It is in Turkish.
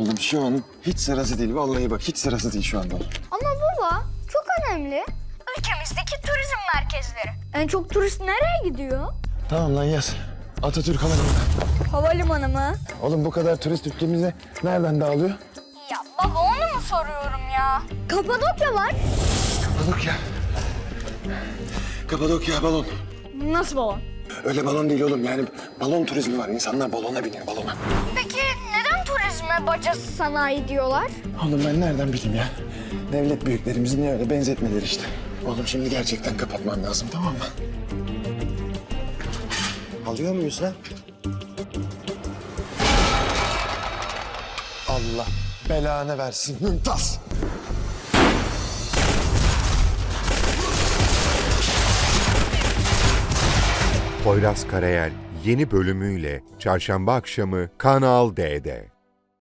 Oğlum şu an hiç sırası değil. Vallahi bak hiç sırası değil şu anda. Ama baba çok önemli. Ülkemizdeki turizm merkezleri. En çok turist nereye gidiyor? Tamam lan yaz. Atatürk Havalimanı. Havalimanı mı? Oğlum bu kadar turist ülkemize nereden dağılıyor? Ya baba onu mu soruyorum ya? Kapadokya var. Kapadokya. Kapadokya balon. Nasıl balon? Öyle balon değil oğlum yani balon turizmi var. İnsanlar balona biniyor balona. Peki neden turizme bacası sanayi diyorlar? Oğlum ben nereden bileyim ya? Devlet büyüklerimizi niye öyle benzetmeleri işte. Oğlum şimdi gerçekten kapatmam lazım tamam mı? Alıyor muyuz lan? Allah belanı versin Mümtaz. Poyraz Karayel yeni bölümüyle Çarşamba akşamı Kanal D'de.